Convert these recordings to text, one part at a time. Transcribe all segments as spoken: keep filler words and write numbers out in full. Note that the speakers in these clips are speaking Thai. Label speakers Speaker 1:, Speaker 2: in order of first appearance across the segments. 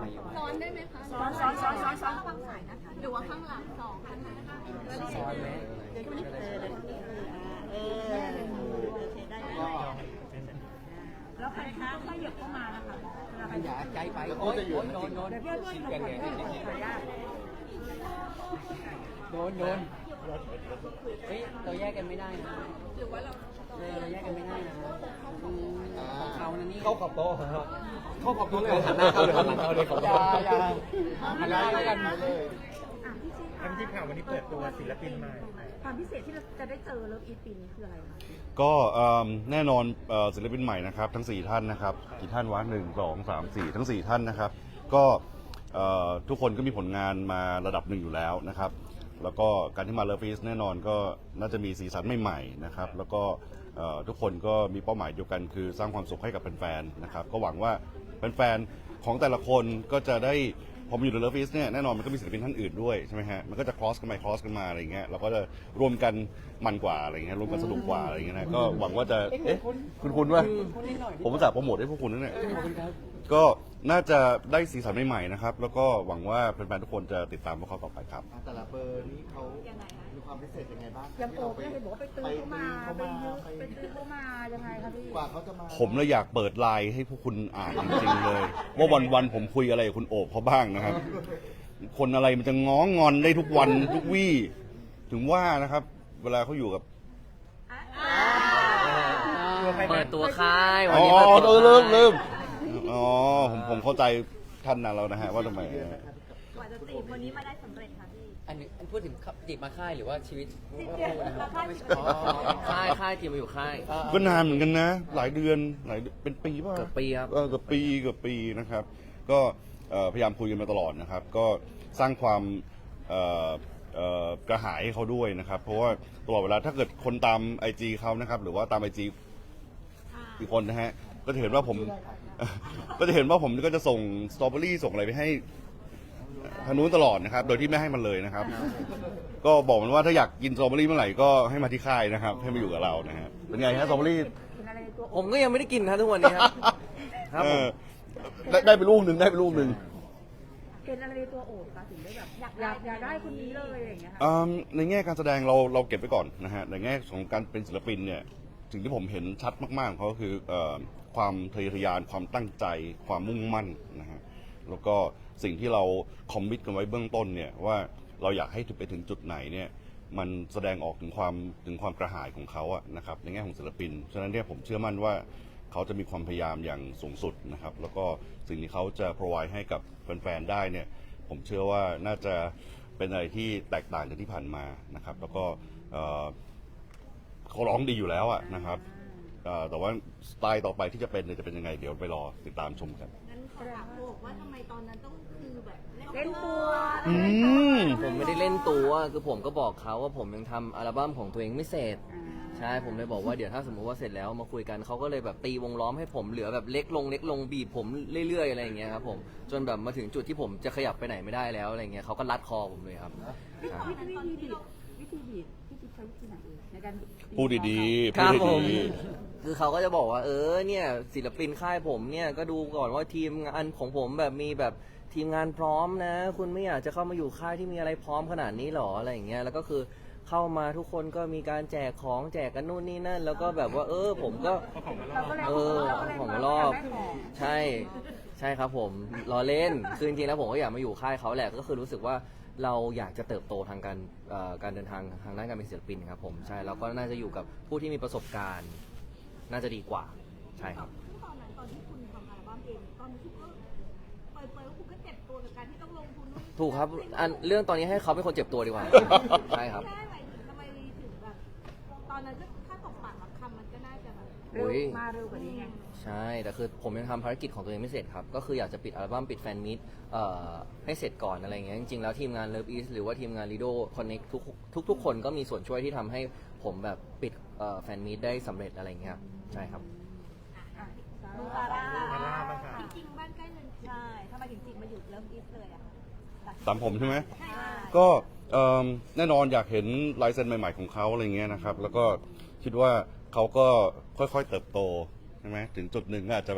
Speaker 1: ซ้อนได้ไหมคะ
Speaker 2: ซ้อนซ้อนซ้อนซ้อนซ้อน
Speaker 1: ข้างสายนะคะหรือว่าข้างหลังสองข้างหน้า
Speaker 3: ซ้อนไหม
Speaker 2: เออได้แล้วใครคะถ้าหยิบเข้ามานะคะ
Speaker 3: อย่าใจไปโอ้ยโดนโดนโดน
Speaker 2: เดี๋ยวพี่ด้วย
Speaker 3: กันไง
Speaker 2: ขออนุญาต
Speaker 3: โดนโดนเฮ้ยเราแยกกันไม่ได้นะหรือว่าเราเราแยกกันไม่ได้นะของเขานะนี่เข้าขอบโต๊ะเข้าขอบโต๊ะเลยหันหน้าเข้าเลยหันหลังเข้าเลยขอบโต๊ะอย่าหันหน้าแล้วกันเลย
Speaker 4: ทำที่ข่าววันนี้เปิดตัวศิลปินใหม่
Speaker 2: ความพิเศษที่เราจะได้เจอเลิฟอีทปีนี้คืออะไรคะ
Speaker 5: ก็แน่นอนศิลปินใหม่นะครับทั้งสี่ท่านนะครับกี่ท่านวะหนึ่งสองสามสี่ทั้งสี่ท่านนะครับก็ทุกคนก็มีผลงานมาระดับหนึ่งอยู่แล้วนะครับแล้วก็การที่มาเลิฟอีสแน่นอนก็น่าจะมีสีสันใหม่ๆนะครับแล้วก็ทุกคนก็มีเป้าหมายเดียวกันคือสร้างความสุขให้กับแฟนๆนะครับก็หวังว่าแฟนๆของแต่ละคนก็จะได้พอมาอยู่ในเลิฟอีสเนี่ยแน่นอนมันก็มีศิลปินท่านอื่นด้วยใช่ไหมฮะมันก็จะ cross กันไป cross กันมาอะไรอย่างเงี้ยเราก็จะรวมกันมันกว่าอะไรเงี้ยรวมกันสนุกกว่าอะไรเงี้ยนะก็หวังว่าจะเอ๊ะคุณคุณว่าผมจะโปรโมทให้พวกคุณนั่นแหละก็น่าจะได้สีสันใหม่ๆนะครับแล้วก็หวังว่าแฟนๆทุกคนจะติดตามพวกเขาต่อไปครับ
Speaker 6: แต่ละเบอร์นี้เขามีความพิเศษยังไงบ้าง
Speaker 2: ยังโอบเนี่ยเห็นบอกว่าไปตื้อเข้ามาไปยืมไปตื้อเข้ามายังไงคะพี่
Speaker 6: กว่าเขาจะมา
Speaker 5: ผมเลยอยากเปิดไลน์ให้พวกคุณอ่านจริงๆเลย ว่าวันๆผมคุยอะไรกับคุณโอบเขาบ้างนะครับ คนอะไรมันจะง้องอนได้ทุกวันทุกวี่ถึงว่านะครับ เวลาเขาอยู่กับ
Speaker 3: เปิดตัวค่ายวัน
Speaker 5: อ๋อ
Speaker 3: นี้เปิด
Speaker 5: เอ
Speaker 3: ตัว
Speaker 5: อเริ่ม
Speaker 3: ค่าย
Speaker 5: เริ่มอ๋อผมผมเข้าใจท่านนั้นแล้วนะฮะว่าทำไม
Speaker 2: กว่าจะจีบวันนี้มาได้สำเร็จค่ะพี่
Speaker 3: อันนี้อันพูดถึงจีบมาค่ายหรือว่าชีวิต
Speaker 2: จีบมาค่าย
Speaker 3: อ๋อค่ายค่ายจีบมาอยู่ค่าย
Speaker 5: ก็นานเหมือนกันนะ หลายเดือนหลายเป็นปีป่ะ
Speaker 3: เกือบปีครับ
Speaker 5: เออเกือบปีเกือบปีนะครับ ก็เอ่อพยายามคุยกันมาตลอดนะครับ ก็สร้างความเอ่อเอ่อกระหายให้เขาด้วยนะครับ เพราะว่าตลอดเวลาถ้าเกิดคนตามไอจีเขานะครับ หรือว่าตามไอจีอีกคนนะฮะก็จะเห็นว่าผม ก็จะเห็นว่าผมก็จะส่งสตรอเบอรี่ส่งอะไรไปให้ทางนู้นตลอดนะครับ โดยที่ไม่ให้มันเลยนะครับ ก็บอกมันว่าถ้าอยากกินสตรอเบอรี่เมื่อไหร่ก็ให้มาที่ค่ายนะครับ ให้มาอยู่กับเรานะฮะเป็นไงฮะสตรอเบอรี่
Speaker 3: ผมก็ยังไม่ได้กินนะทุกวันนี้ครับครับ
Speaker 5: เอ
Speaker 3: ผม
Speaker 5: อได้ได้ไปลูกหนึ่งได้ไปลูกหนึ่ง
Speaker 2: เป็นอะไรในตัวโอบคะถึงได้แบบอยากอยากอยากได้คนนี้เลยอย่างเงี้ยค่ะ
Speaker 5: อืมในแง่การแสดงเราเราเก็บไว้ก่อนนะฮะในแง่ของการเป็นศิลปินเนี่ยสิ่งที่ผมเห็นชัดมากๆของเขาก็คือเอ่อความทะเยอทะยานความตั้งใจความมุ่งมั่นนะฮะแล้วก็สิ่งที่เราคอมมิตกันไว้เบื้องต้นเนี่ยว่าเราอยากให้ไปถึงจุดไหนเนี่ยมันแสดงออกถึงความถึงความกระหายของเขาอะนะครับในแง่ของศิลปินฉะนั้นเนี่ยผมเชื่อมั่นว่าเขาจะมีความพยายามอย่างสูงสุดนะครับแล้วก็สิ่งที่เขาจะ provide ให้กับแฟนๆได้เนี่ยผมเชื่อว่าน่าจะเป็นอะไรที่แตกต่างจากที่ผ่านมานะครับแล้วก็เอ่อเขาร้องดีอยู่แล้วอะนะครับเอ่อแต่ว่าสไตล์ต่อไปที่จะเป็นเนี่ยจะเป็นยังไงเดี๋ยวไปรอติดตามชมกัน
Speaker 1: งั้นขอถามโอบว่าทำไมตอนนั้นต้องคือแบบ
Speaker 2: เล่นตัว
Speaker 5: อืม
Speaker 3: ผมไม่ได้เล่นตัวคือผมก็บอกเขาว่าผมยังทำอัลบั้มของตัวเองไม่เสร็จใช่ผมเลยบอกว่าเดี๋ยวถ้าสมมติว่าเสร็จแล้วมาคุยกันเขาก็เลยแบบตีวงล้อมให้ผมเหลือแบบเล็กลงเล็กลงบีบผมเรื่อยๆอะไรอย่างเงี้ยครับผมจนแบบมาถึงจุดที่ผมจะขยับไปไหนไม่ได้แล้วอะไรเงี้ยเขาก็รัดคอผมเลยครับ
Speaker 2: วิธีวิธีบีบวิธีบีบพี่จิ๊บใช้วิธีไหนเองในการ
Speaker 5: พูดดีๆ
Speaker 3: ครับ
Speaker 5: พูด
Speaker 3: ผม
Speaker 5: ดี
Speaker 3: คือเขาก็จะบอกว่าเออเนี่ยศิลปินค่ายผมเนี่ยก็ดูก่อนว่าทีมงานของผมแบบมีแบบทีมงานพร้อมนะคุณไม่อยากจะเข้ามาอยู่ค่ายที่มีอะไรพร้อมขนาดนี้หรออะไรอย่างเงี้ยแล้วก็คือเข้ามาทุกคนก็มีการแจกของแจกกันนู่นนี่นั่นแล้วก็แบบว่าเออผมก็เออของรอบใช่ใช่ครับผมรอเล่นคือจริงๆแล้วผมก็อยากมาอยู่ค่ายเขาแหละก็คือรู้สึกว่าเราอยากจะเติบโตทางการการเดินทางทางด้านการเป็นศิลปินครับผมใช่แล้วก็น่าจะอยู่กับผู้ที่มีประสบการณ์น่าจะดีกว่าใช่ครับ
Speaker 1: ตอนนั้นตอนที่คุณทำอัลบั้มเองตอนนี้คุณก็เปิดเผยว่าคุณก็เจ็บตัวกับการที่ต้องลงทุนนู่น
Speaker 3: ถูกครับอันเรื่องตอนนี้ให้เขาเป็นคนเจ็บตัวดีกว่า ใช่ครับ
Speaker 1: แค่ไหนถึงทำไมถึงแบบตอนนั้นก็ถ้าตกปากรับคำมันก็น่าจะแบบ
Speaker 2: เร็วมาเร็วกว่านี้ไง
Speaker 3: ใช่แต่คือผมยังทำภารกิจของตัวเองไม่เสร็จครับก็คืออยากจะปิดอัลบั้มปิดแฟนมิตเอ่อให้เสร็จก่อนอะไรเงี้ยจริงๆแล้วทีมงาน Love East หรือว่าทีมงาน Lido Connect ทุกทุกทุกคนก็มีส่วนช่วยที่ทำให้ผมแบบปิดเอ่อแฟนมิตได้สำเร็จอะไรเงี้ยครับใช่ครับ
Speaker 1: ดูซาร่า
Speaker 4: ซาร่าบ้างค่ะ
Speaker 1: จริงๆบ้านใกล้เรือนเคียง
Speaker 2: ใช่ทำไมถึงจิกมาอยู่เลิฟอีสเลยอะ
Speaker 5: ๆตามผมใช่ไหมก็เอิ่มแน่นอนอยากเห็นลายเซ็นใหม่ๆของเขาอะไรเงี้ยนะครับแล้วก็คิดว่าเขาก็ค่อยๆเติบโตใช่ไหมถึงจุดหนึ่งก็อาจจะแบบ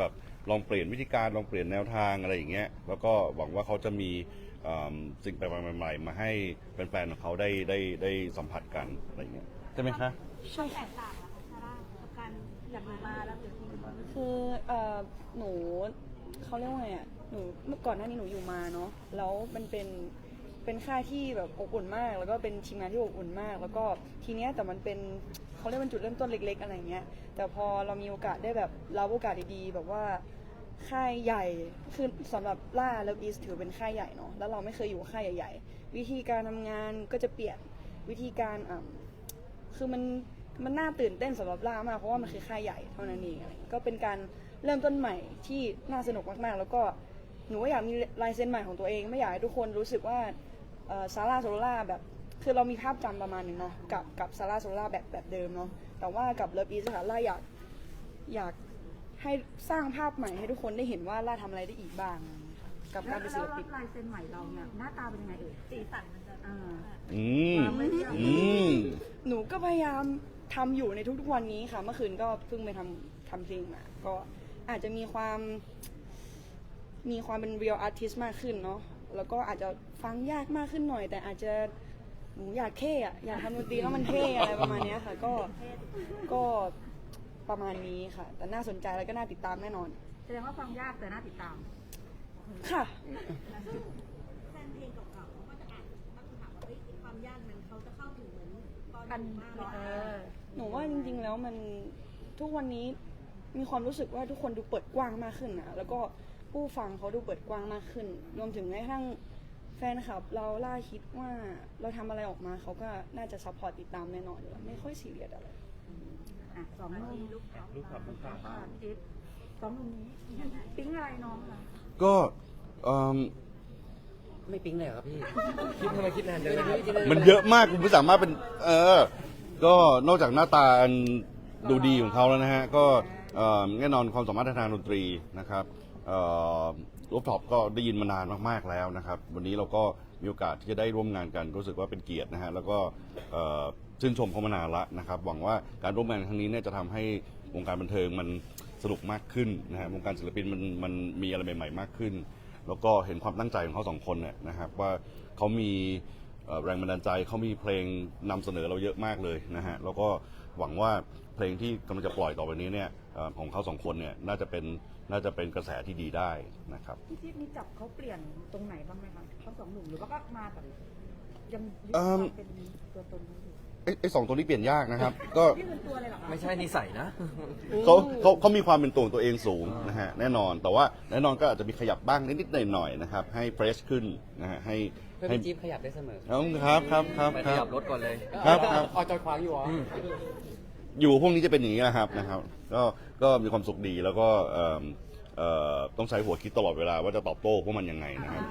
Speaker 5: ลองเปลี่ยนวิธีการลองเปลี่ยนแนวทางอะไรอย่างเงี้ยแล้วก็หวังว่าเขาจะมีเอิ่มสิ่งแปลกใหม่ๆมาให้แฟนๆของเขาได้ได้ได้สัมผัสกันอะไรอย่างเงี้ยใช่ไหมคะ
Speaker 1: ใช่แตกต่างอะคะซาร่ากับการอยากมาแล้วหรือที่
Speaker 2: คือเอ่อหนูเขาเรียกว่าไงอ่ะหนูเมื่อก่อนหน้านี้หนูอยู่มาเนาะแล้วมันเป็นเป็นค่ายที่แบบอบอุ่นมาก แล้วก็เป็นทีมงานที่อบอุ่นมาก แล้วก็ทีเนี้ยแต่มันเป็นเขาเรียกเป็นจุดเริ่มต้นเล็ก ๆ อะไรเงี้ยแต่พอเรามีโอกาสได้แบบรับโอกาสดีๆแบบว่าค่ายใหญ่คือสำหรับล่าแล้วอีสถือเป็นค่ายใหญ่เนาะแล้วเราไม่เคยอยู่ค่ายใหญ่ๆวิธีการทำงานก็จะเปลี่ยนวิธีการอ่า คือมันมันน่าตื่นเต้นสำหรับล่ามากเพราะว่ามันคือค่ายใหญ่เท่านั้นเองอะไรก็เป็นการเริ่มต้นใหม่ที่น่าสนุกมากๆ แล้วก็หนูก็อยากมีลายเซ็นใหม่ของตัวเองไม่อยากให้ทุกคนรู้สึกว่าซาร่าโซล่าแบบคือเรามีภาพจำประมาณหนึ่งเนาะกับกับซาร่าโซล่าแบบแบบเดิมเนาะแต่ว่ากับเลิฟอีสค่ะล่าอยากอยากให้สร้างภาพใหม่ให้ทุกคนได้เห็นว่าล่าทำอะไรได้อีกบ้างกับการเป็นศิลปิน
Speaker 7: ลายเซ็นใหม่เราเนี่ยหน้าตาเป็นยังไงเอ่ย
Speaker 1: สีสันมันจะ
Speaker 7: อ่า
Speaker 5: อืมอืม
Speaker 2: หนูก็พยายามทำอยู่ในทุกๆวันนี้ค่ะเมื่อคืนก็เพิ่งไปทำทำเพลงมาก็อาจจะมีความมีความเป็น real artist มากขึ้นเนาะแล้วก็อาจจะฟังยากมากขึ้นหน่อย แต่อาจจะหนูอยากเท่อะอยากทำดนตรีแล้วมันเท่อะไรประมาณเนี้ยค่ะก็ก็ประมาณนี้ค่ะ แต่น่าสนใจแล้วก็น่าติดตามแน่นอน
Speaker 7: แสดงว่าฟังยากแต่น่าติดตาม
Speaker 2: ค่ะ
Speaker 1: แฟนเพลงเก่าๆเขาก็จะอ่านตั้งคำถามว่าเฮ้ยความยากมันเขาจะเข้าถึงเหมือนตอน
Speaker 7: อัน
Speaker 1: อยู่มากเลย
Speaker 7: เออ
Speaker 2: หนูว่าจริงๆ แล้วมันทุกวันนี้มีความรู้สึกว่าทุกคนดูเปิดกว้างมากขึ้นนะแล้วก็ผู้ฟังเขาดูเปิดกว้างมากขึ้น รวมถึงแม้กระทั่งแฟนคลับเราล่าคิดว่าเราทำอะไรออกมาเขาก็น่าจะซัพพอร์ตติดตามแน่นอนอยู่แล้วไม่ค่อยซีเรียสอะไร
Speaker 7: อ่ะสองหนุ่ม
Speaker 1: ลูกเขา
Speaker 4: ลูกขับลูกขับ
Speaker 7: อ่าจิ๊บสองหนุ่มนี้ปิ๊งอะไรน้องล่ะ
Speaker 5: ก็เอิ่ม
Speaker 3: ไม่ปิ๊งเลยครับพี่ คิดทำไมคิดนานจังเลย
Speaker 5: มันเยอะมากคุณไม่สามารถเป็น เออ ก็นอกจากหน้าตาอันดูดีของเขาแล้วนะฮะ ก็เอ่อแน่นอนความสามารถทางดนตรีนะครับรูฟท็อปก็ได้ยินมานานมากๆแล้วนะครับ วันนี้เราก็มีโอกาสที่จะได้ร่วมงานกันรู้สึกว่าเป็นเกียรตินะฮะ แล้วก็เอ่อชื่นชมเขามานานละนะครับ หวังว่าการร่วมงานครั้งนี้เนี่ยจะทำให้วงการบันเทิงมันสนุกมากขึ้นนะฮะ วงการศิลปินมันมันมีอะไรใหม่ๆมากขึ้น แล้วก็เห็นความตั้งใจของเขาสองคนเนี่ยนะครับว่าเขามีเอ่อแรงบันดาลใจเขามีเพลงนำเสนอเราเยอะมากเลยนะฮะแล้วก็หวังว่าเพลงที่กำลังจะปล่อยต่อไปนี้เนี่ยเอ่อของเขาสองคนเนี่ยน่าจะเป็นน่าจะเป็นกระแสที่ดีได้นะครับ
Speaker 7: พี่จิ๊บมีจับเขาเปลี่ยนตรงไหนบ้างไหมคะทั้งสองหนุ่มหรือว่าก็มาแบบยังยึด
Speaker 5: เอิ่
Speaker 7: ความ มเป็นตัวตนนี้อยู่
Speaker 5: ไอ้ไอ้สองตัวนี้เปลี่ยนยากนะครับ ก็
Speaker 7: นี่เป็นตัวเลยเหรอคะ
Speaker 3: ไม่ใช่นิสัยนะ
Speaker 5: เขาเขาเขามีความเป็นตัวของตัวเองสูงนะฮะแน่นอนแต่ว่าแน่นอนก็อาจจะมีขยับบ้างนิดๆหน่อยๆนะครับให้เฟรชขึ้นนะฮะให้
Speaker 8: เพื่อน
Speaker 5: ให้
Speaker 8: พี่จี๊บขยับได้เสมอ
Speaker 5: ครับครับครับ
Speaker 3: ไป
Speaker 5: ค
Speaker 3: ข
Speaker 5: รั
Speaker 3: ยั
Speaker 5: บบ
Speaker 3: รถก่อนเลย
Speaker 5: ครับครับ
Speaker 8: ออกจอยขวางอยู่เหรออ
Speaker 5: อยู่พวกนี้จะเป็นอย่างนี้นะครับนะครับก็ก็มีความสุขดีแล้วก็เอ่อเอ่อต้องใช้หัวคิดตลอดเวลาว่าจะตอบโต้พวกมันยังไงนะครับ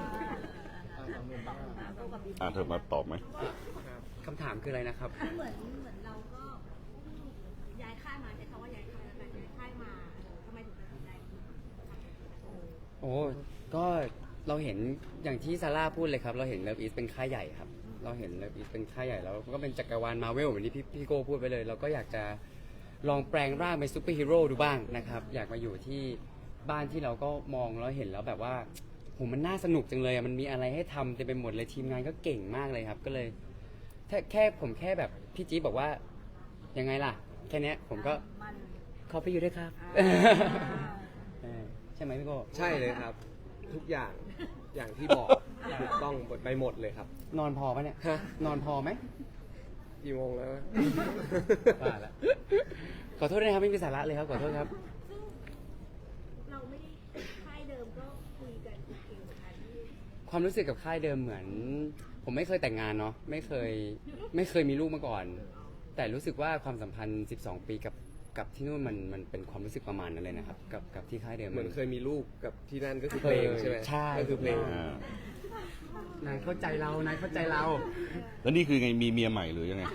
Speaker 5: อ่าเธอมาตอบไหม
Speaker 8: คำถามคืออะไรนะครับ
Speaker 1: เหมือนเหมือนเราก็ย้ายค่ายมาใช้คำว่าย้ายค่ายแล้วกันย้ายค่ายมาเออทำไมถึงตัดสินใจ
Speaker 8: โอ้ก็เราเห็นอย่างที่ซาร่าพูดเลยครับ เราเห็นเลิฟอีสเป็นค่ายใหญ่ครับ เราเห็นเลิฟอีสเป็นค่ายใหญ่แล้วก็เป็นจักรวาลมาเวลเหมือนที่พี่พี่โก้พูดไปเลย เราก็อยากจะลองแปลงร่างเป็นซูเปอร์ฮีโร่ดูบ้างนะครับ อยากมาอยู่ที่บ้านที่เราก็มองแล้วเห็นแล้วแบบว่าโหมันน่าสนุกจังเลยอะมันมีอะไรให้ทำเต็มไปหมดเลยทีมงานก็เก่งมากเลยครับ ก็เลยแค่แค่ผมแค่แบบพี่จี๊บบอกว่ายังไงล่ะ แค่เนี้ยผมก็
Speaker 1: มัน
Speaker 8: ขอไปอยู่ด้วยครับ เออใช่ไหมพี่โก้
Speaker 9: ใช่เลยครับ ทุกอย่างอย่างที่บอกถูกต้องหมดไปหมดเลยครับ
Speaker 8: นอนพอปะเนี่ย
Speaker 9: ฮะ
Speaker 8: นอนพอไหม
Speaker 9: กี่โมงแล้ว
Speaker 8: ว่าละขอโทษด้วยนะครับไม่มีสาระเลยครับขอโทษครับ
Speaker 1: ซึ่งเราไม่ได้ค่ายเดิมก็คุยกันเองเหมือนกันที่
Speaker 8: ความรู้สึกกับค่ายเดิมเหมือน ผมไม่เคยแต่งงานเนาะไม่เคยไม่เคยมีลูกมาก่อน แต่รู้สึกว่าความสัมพันธ์สิบสองปีกับกับที่นู่นมันมันเป็นความรู้สึกประมาณนั้นเลยนะครับกับกับที่ค่ายเดิม
Speaker 9: เหมือนเคยมีลูกกับที่นั่นก็คือ
Speaker 8: เค
Speaker 9: เพล
Speaker 8: ย
Speaker 9: งใช่ไหม
Speaker 8: ใช่
Speaker 9: ก็คือเพลง
Speaker 5: อ่าน
Speaker 8: ายเข้าใจเรานายเข้าใจเรา
Speaker 5: แล้วนี่คือไงมีเมียใหม่หรือยังไง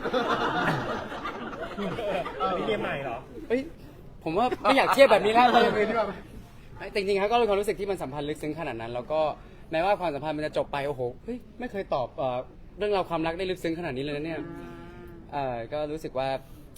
Speaker 4: นี่เมียใหม่เหรอ
Speaker 8: เอ้ยผมว่าไม่อยากเทียบแบบนี้แล้วเลยดีกว่าแต่จริงๆครับก็เป็นความรู้สึกที่มันสัมพันธ์ลึกซึ้งขนาดนั้น แล้วก็แม้ว่าความสัมพันธ์มันจะจบไปโอ้โหเฮ้ยไม่เคยตอบเอ่อเรื่องราวความรักได้ลึกซึ้งขนาดนี้เลยนะเนี่ยเอ่อก็รู้สึกว่า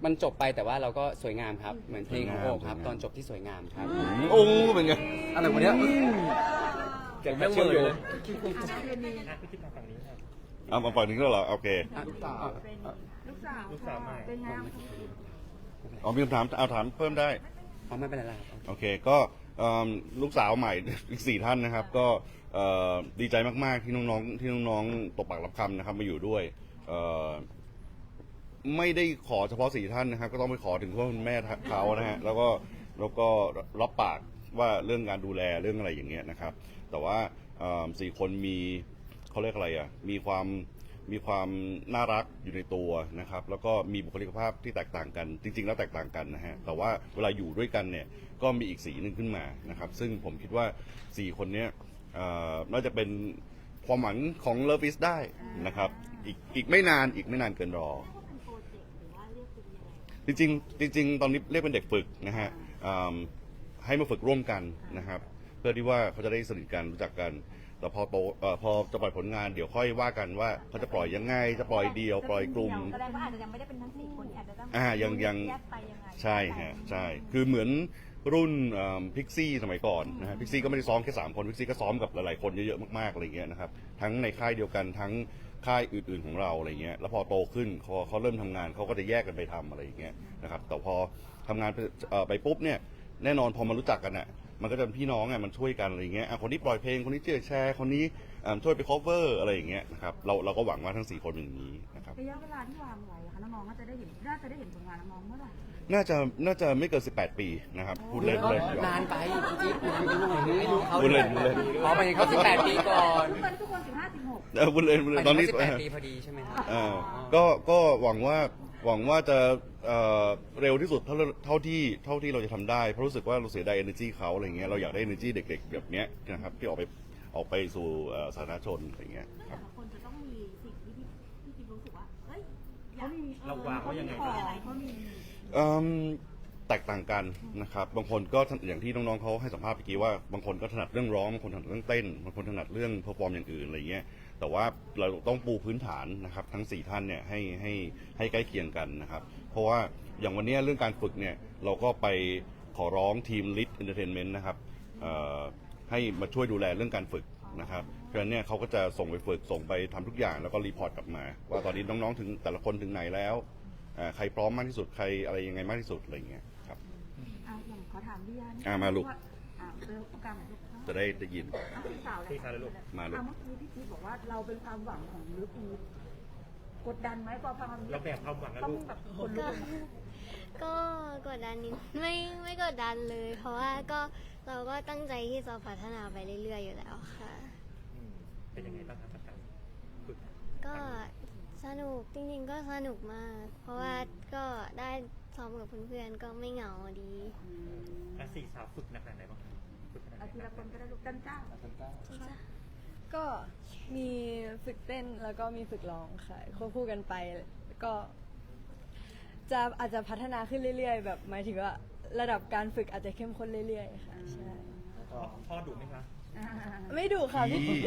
Speaker 8: มันจบไปแต่ว่าเราก็สวยงามครับ เหมือนเพลงของโอบครับ ตอนจบที่สวยงามครับ
Speaker 5: โอ้เป็นไง
Speaker 3: อะไรวะเนี้ย
Speaker 8: เก็บแม่เชื่อมโยง
Speaker 4: อ่ะพี่คิดมาฝั่งนี้ครับ
Speaker 5: เอามาฝั่งนี้ก็เหรอโอเค
Speaker 7: ลูกสาว
Speaker 4: ลูกสาวใหม่
Speaker 7: เป็นไงบ้าง
Speaker 5: อ๋อมีคำถามเอาถามเพิ่มได้
Speaker 8: อ๋อไม่เป็นไรแล้วครับ
Speaker 5: โอเคก็เอิ่มลูกสาวใหม่ อีกสี่ท่านนะครับ ก็เอ่อดีใจมากๆที่น้องๆที่น้องๆตบปากรับคำนะครับมาอยู่ด้วยเอ่อไม่ได้ขอเฉพาะสี่ท่านนะครับ ก็ต้องไปขอถึงพ่อคุณแม่เขานะฮะแล้วก็แล้วก็รับปากว่าเรื่องการดูแลเรื่องอะไรอย่างเงี้ยนะครับ แต่ว่าเอิ่มสี่คนมีเขาเรียกอะไรอ่ะมีความมีความน่ารักอยู่ในตัวนะครับ แล้วก็มีบุคลิกภาพที่แตกต่างกัน จริง ๆ แล้วแตกต่างกันนะฮะแต่ว่าเวลาอยู่ด้วยกันเนี่ยก็มีอีกสีหนึ่งขึ้นมานะครับ ซึ่งผมคิดว่าสี่คนเนี้ยเอ่อน่าจะเป็นความหวังของเลิฟอิสได้นะครับ อีกอีกไม่นานอีกไม่นานเกินรอ
Speaker 1: เป็นโปรเจกต์หรือว่าเรียกเป็นยังไง
Speaker 5: จริงๆจริง ๆ ตอนนี้เรียกเป็นเด็กฝึกนะฮะอืมให้มาฝึกร่วมกันนะครับ เพื่อที่ว่าเขาจะได้สนิทกันรู้จักกัน แต่พอโตเอ่อพอจะปล่อยผลงานเดี๋ยวค่อยว่ากันว่าเขาจะปล่อยยังไง จะปล่อยเดียวปล่อยกลุ่ม
Speaker 1: แสดงว่าอาจจะยังไม่ได้เป็นทั้งสี่คนอาจจะต้อง
Speaker 5: อ่ายังยัง
Speaker 1: แยกไปยังไง
Speaker 5: ใช่ฮะใช่ คือเหมือนรุ่นพิกซี่สมัยก่อนนะฮะพิกซี่ก็ไม่ได้ซ้อมแค่สามคนพิกซี่ก็ซ้อมกับหลายๆคนเยอะๆมากๆอะไรเงี้ยนะครับทั้งในค่ายเดียวกันทั้งค่ายอื่นๆของเราอะไรเงี้ยแล้วพอโตขึ้นพอเขาเริ่มทำงานเขาก็จะแยกกันไปทำอะไรอย่างเงี้ยนะครับแต่พอทำงานไปเอ่อไปปุ๊บเนี่ยแน่นอนพอมารู้จักกันอ่ะมันก็จะเป็นพี่น้องอ่ะมันช่วยกันอะไรเงี้ยอ่ะคนนี้ปล่อยเพลงคนนี้เชื่อแชร์คนนี้อ่าช่วยไป cover อะไรอย่างเงี้ยนะครับเราเราก็หวังว่าทั้งสี่คนเป็นอย่างนี้นะครับ
Speaker 7: ระยะเวลาที่วางไว้อะคะน้องๆก็จะได้เห็นน่าจะได้เห็นผลงานน้องๆเมื่อไหร่
Speaker 5: น่าจะน่าจะไม่เกินสิบแปดปีนะครับพูดเล่นพูดเล่น
Speaker 8: นานไปพี่จิ๊บนานไปหน่อยนึงอายุเขา
Speaker 5: พูดเล่นพูดเล่น
Speaker 8: อ๋อไปเขาสิบแปดปีก่อน
Speaker 7: ทุกคนทุกคนสิบห้าสิบหก
Speaker 5: เออพูดเล่นพูดเล่นตอนนี้
Speaker 8: สิบแปดปีพอดีใช่ไหมครับ
Speaker 5: เออก็ก็หวังว่าหวังว่าจะเอ่อเร็วที่สุดเท่าเท่าที่เท่าที่เราจะทำได้เพราะรู้สึกว่าเราเสียดาย energy เขาอะไรเงี้ยเราอยากได้ energy เด็ก ๆ แบบเนี้ยนะครับที่ออกไปออกไปสู่เอ่อสาธารณชนอะไรเงี้ยค
Speaker 1: แต่
Speaker 5: รับ
Speaker 1: ละคนจะต้องมีสิ่งที่พี่พี่คิดรู้สึกว่าเฮ้ยอยาก
Speaker 4: เราวางไว้ยังไงบ้าง
Speaker 1: เขามี
Speaker 5: เอิ่มแตกต่างกันนะครับบางคนก็อย่างที่น้องๆเขาให้สัมภาษณ์เมื่อกี้ว่าบางคนก็ถนัดเรื่องร้องบางคนถนัดเรื่องเต้นบางคนถนัดเรื่องเพอร์ฟอร์มอย่างอื่นอะไรเงี้ยแต่ว่าเราต้องปูพื้นฐานนะครับทั้งสี่ท่านเนี่ยให้ให้ให้ใกล้เคียงกันนะครับเพราะว่าอย่างวันนี้เรื่องการฝึกเนี่ยเราก็ไปขอร้องทีม Lit Entertainment นะครับเอ่อให้มาช่วยดูแลเรื่องการฝึกนะครับเพราะฉะนั้นเนี่ยเขาก็จะส่งไปฝึกส่งไปทำทุกอย่างแล้วก็รีพอร์ตกลับมา ว่าตอนนี้น้องๆถึงแต่ละคนถึงไหนแล้วอ่าใครพร้อมมากที่สุดใครอะไรยังไงมากที่สุดอะไรอย่างเงี้ยครับ
Speaker 7: อ่ะอย่างขอถามพี่ยานี่
Speaker 5: อ่ะมาลูก
Speaker 7: ว่อ่ะเร็วโอกาสหน่อยลูก
Speaker 5: จะได้ได้ยิน
Speaker 7: อ่ะพี่สาวเลย
Speaker 4: พี่สาวเลยลูก
Speaker 5: มาลูก
Speaker 7: อ่ะเมื่อกี้พี่จี๊ดบอกว่าเราเป็นความหวังของลูกอีฟกดดันไหมพอฟังคำนี้
Speaker 4: เราแบกความหวังนะ
Speaker 7: ต้อง
Speaker 4: ลูก
Speaker 7: แบบคนลุ
Speaker 10: ก็
Speaker 7: กเลยนะ
Speaker 10: ก็กดดันนิดไม่ไม่กดดันเลย เพราะว่าก็เราก็ตั้งใจที่จะพัฒนาไปเรื่อยๆอยู่แล้วค่ะ
Speaker 4: อืมเป็นยังไงบ้างครับกับการฝึก
Speaker 10: ก็สนุกจริงๆก็สนุกมาก เพราะว่าก็ได้ซ้อมกับเพื่อนๆก็ไม่เหงาดี
Speaker 4: อ่ะสี่สาวฝึกหนักขนาดไหนบ้างฝึกขนาดไห
Speaker 7: เอาที
Speaker 4: น
Speaker 7: ละคนก็ได้ลูกดันจ้า
Speaker 2: ก็มีฝึกเต้นแล้วก็มีฝึกร้องค่ะควบคู่กันไปก็ จะอาจจะพัฒนาขึ้นเรื่อยๆ แบบหมายถึงว่าระดับการฝึกอาจจะเข้มข้นเรื่อยๆค่ะใช่
Speaker 4: พ่อพ่อดุไหมคะ
Speaker 2: ไม่ดุค่ะพี่
Speaker 5: พี่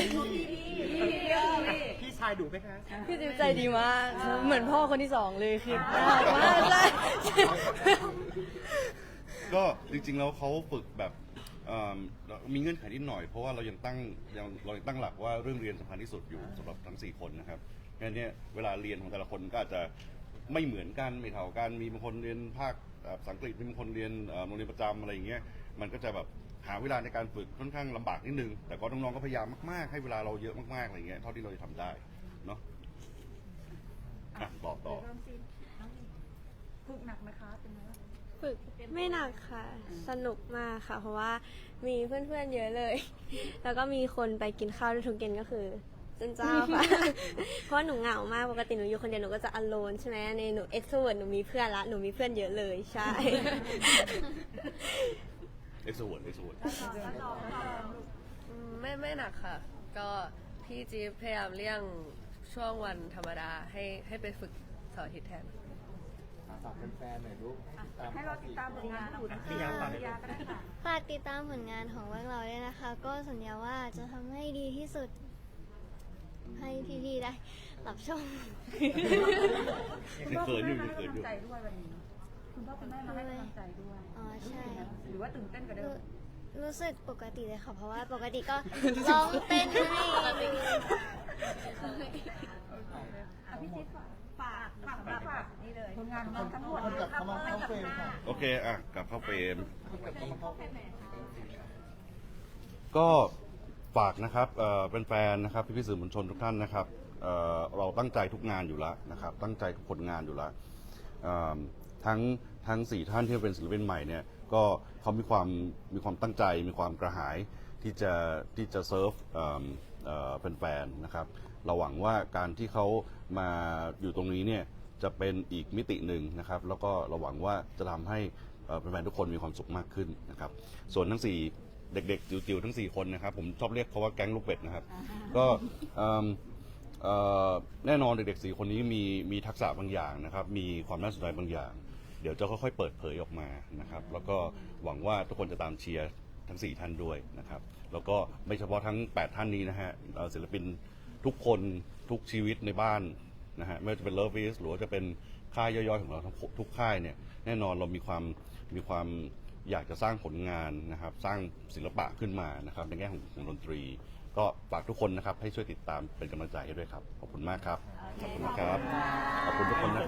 Speaker 4: พี่ชายดุไหมคะ
Speaker 2: พี่จิ๊บใจดีมากเหมือนพ่อคนที่สองเลยคือน่ารักมากใช่
Speaker 5: ก็จริงๆแล้วเขาฝึกแบบเอิ่มมีเงื่อนไขนิดหน่อยเพราะว่าเรายังตั้งยังเรายังตั้งหลักว่าเรื่องเรียนสำคัญที่สุดอยู่สำหรับทั้งสี่คนนะครับงั้นเนี่ยเวลาเรียนของแต่ละคนก็อาจจะไม่เหมือนกันไม่เท่ากันมีบางคนเรียนภาคเอ่อภาษาอังกฤษมีบางคนเรียนเอ่อโรงเรียนประจำอะไรอย่างเงี้ยมันก็จะแบบหาเวลาในการฝึกค่อนข้างลำบากนิดนึงแต่ก็น้องๆก็พยายามมากๆให้เวลาเราเยอะมากๆอะไรเงี้ยเท่าที่เราจะทำได้เนาะอ่ะต่อต่อ
Speaker 7: เริ่มซีน้องฝึกหนักไหมคะเป็นไงบ้าง
Speaker 10: ฝึกไม่หนักค่ะ สนุกมากค่ะ เพราะว่ามีเพื่อนๆเยอะเลย แล้วก็มีคนไปกินข้าวด้วยทุกเย็นก็คือเจนเจ้าค่ะ เพราะหนูเหงามากปกติหนูอยู่คนเดียวหนูก็จะ alone ใช่ไหมในหนู extrovert หนูมีเพื่อนละหนูมีเพื่อนเยอะเลยใช่
Speaker 5: เอ็กซ์เวิร์ดเอ็กซ์เวิร์ด
Speaker 11: อืมไม่ไม่หนักค่ะ ก็พี่จี๊บพยายามเลี่ยงช่วงวันธรรมดาให้ให้ไปฝึกเสาร์อาทิตย์แทน
Speaker 6: ฝากแฟนๆหน่อยลูก
Speaker 7: ให้เราติดตามผลงานของคุณ
Speaker 4: พี่ยาฝาก
Speaker 7: พี่ยาก็ได้ค่ะ
Speaker 10: ฝากติดตามผลงานของพวกเราด้วยนะคะ ก็สัญญาว่าจะทำให้ดีที่สุดให้พี่ๆได้รับชม
Speaker 7: คุณพ่อ
Speaker 5: เขิ
Speaker 7: คุณ
Speaker 5: นอยู่
Speaker 7: แม่มาให้
Speaker 5: เขินอยู่
Speaker 7: กำลังใจด้วยวันนี้คุณพ่อคุณแม่มาให้กำลังใจด้วย
Speaker 10: อ๋อใช่
Speaker 7: หรือว่าตื่นเต้นกว่าเดิ
Speaker 10: รู้
Speaker 7: ม
Speaker 10: รู้สึกปกติเลยค่ะ เพราะว่าปกติก็ ร้องเต้นไม่
Speaker 7: อ่ะพี่จิ๊บฝากฝากฝากฝากนี่เลยผลงานของเราทั้งหมดกลับเข้ามาเข้าเฟรมค่ะ
Speaker 5: โอเค อ่ะ กลับเข้าเฟรม ก็ฝากนะครับเอ่อเป็นแฟนๆนะครับพี่ๆสื่อมวลชนทุกท่านนะครับเอ่อเราตั้งใจทุกงานอยู่แล้วนะครับ ตั้งใจทุกผลงานอยู่แล้วเอ่อทั้งทั้งสี่ท่านที่เป็นศิลปินใหม่เนี่ยก็เขามีความมีความตั้งใจ มีความกระหายที่จะที่จะเซิร์ฟเอ่อเอ่อเป็นแฟนๆนะครับ เราหวังว่าการที่เขามาอยู่ตรงนี้เนี่ยจะเป็นอีกมิติหนึ่งนะครับ แล้วก็เราหวังว่าจะทำให้เอ่อแฟนๆทุกคนมีความสุขมากขึ้นนะครับ ส่วนทั้งสี่เด็กๆจิ๋วๆทั้งสี่คนนะครับผมชอบเรียกเขาว่าแก๊งลูกเป็ดนะครับ ก็เอิ่มเอ่อแน่นอนเด็กๆสี่คนนี้มีมีทักษะบางอย่างนะครับ มีความน่าสนใจบางอย่าง เดี๋ยวจะค่อยๆเปิดเผยออกมานะครับ แล้วก็หวังว่าทุกคนจะตามเชียร์ทั้งสี่ท่านด้วยนะครับ แล้วก็ไม่เฉพาะทั้งแปดท่านนี้นะฮะเอ่อศิลปินทุกคนทุกชีวิตในบ้านนะฮะไม่ว่าจะเป็น Love is หรือว่าจะเป็นค่ายย่อยๆของเราทั้งทุกค่ายเนี่ยแน่นอนเรามีความมีความอยากจะสร้างผลงานนะครับ สร้างศิลปะขึ้นมานะครับในแง่ของของดนตรี ก็ฝากทุกคนนะครับให้ช่วยติดตามเป็นกำลังใจให้ด้วยครับขอบคุณมากครับขอบคุณนะครับขอบคุณทุกคนนะครับ